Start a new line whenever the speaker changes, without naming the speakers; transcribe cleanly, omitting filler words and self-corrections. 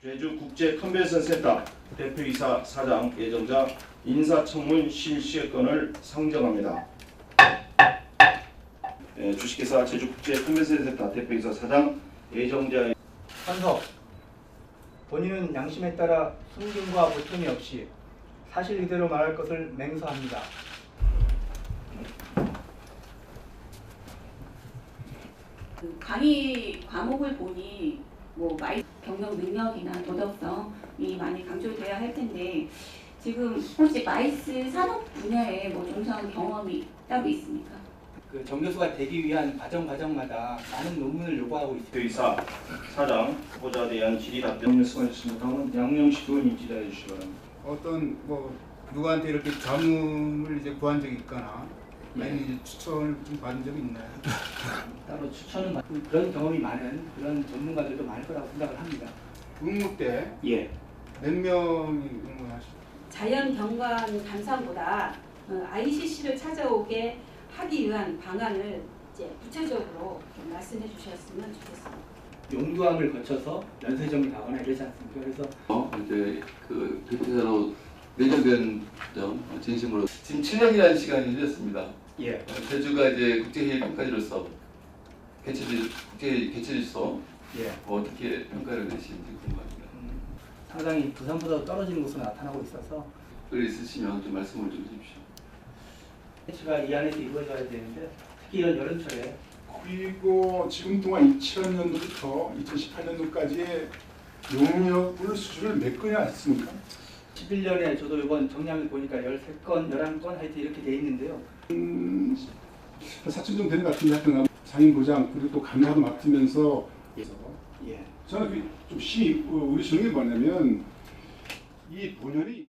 제주국제 컨벤션 센터 대표이사 사장 예정자 인사청문 실시건을 상정합니다. 주식회사 제주국제 컨벤션 센터 대표이사 사장 예정자
한석, 본인은 양심에 따라 숨김과 보탬이 없이 사실 그대로 말할 것을 맹세합니다.
그 강의 과목을 보니 뭐 경영 능력이나 도덕성이 많이 강조돼야 할 텐데 지금 혹시 마이스 산업 분야에 뭐 종사한 경험이 따로 있습니까?
그 정교수가 되기 위한 과정마다 많은 논문을 요구하고 있습니다.
대표이사 사장 후보자에 대한 질의 답변 말씀하셨습니다. 다음은 양영식 의원님 질의해 주시기 바랍니다.
어떤 누구한테 이렇게 자문을 이제 구한 적이 있거나 아니면 이제 추천을 좀 받은 적이 있나요?
따로 추천은 받고 그런 경험이 많은 그런 전문가들도 많을 거라고 생각을 합니다.
응모 때 몇 명이 응모하셨어요?
자연경관 감사보다 ICC를 찾아오게 하기 위한 방안을 이제 구체적으로 좀 말씀해 주셨으면 좋겠습니다.
용두암을 거쳐서 연쇄점이 가거나 이러지 않습니까? 그래서
이제 그 대표자로 내정된 점 진심으로 지금 7년이라는 시간이 흘렸습니다.
예.
제주가 이제 국제회의 평가지로서 국제회의 개최지로서
예.
어떻게 평가를 내시는지 궁금합니다.
상당히 부산보다 떨어지는 곳으로 나타나고 있어서
글 있으시면 좀 말씀을 좀 해주십시오.
해치가 이 안에서 이루어져야 되는데 특히 이런 여름철에
그리고 지금 동안 2000년도부터 2018년도까지의 용역물 수주를 몇 건이나 했습니까?
11년에 저도 이번 정량을 보니까 13건, 11건 하여튼 이렇게 돼 있는데요.
4천 정도 되는 것 같은데 하여튼 상임부장 그리고 또 감사도 맡으면서
예.
저는 좀 심히 우리 주는 게 뭐냐면 이 본연이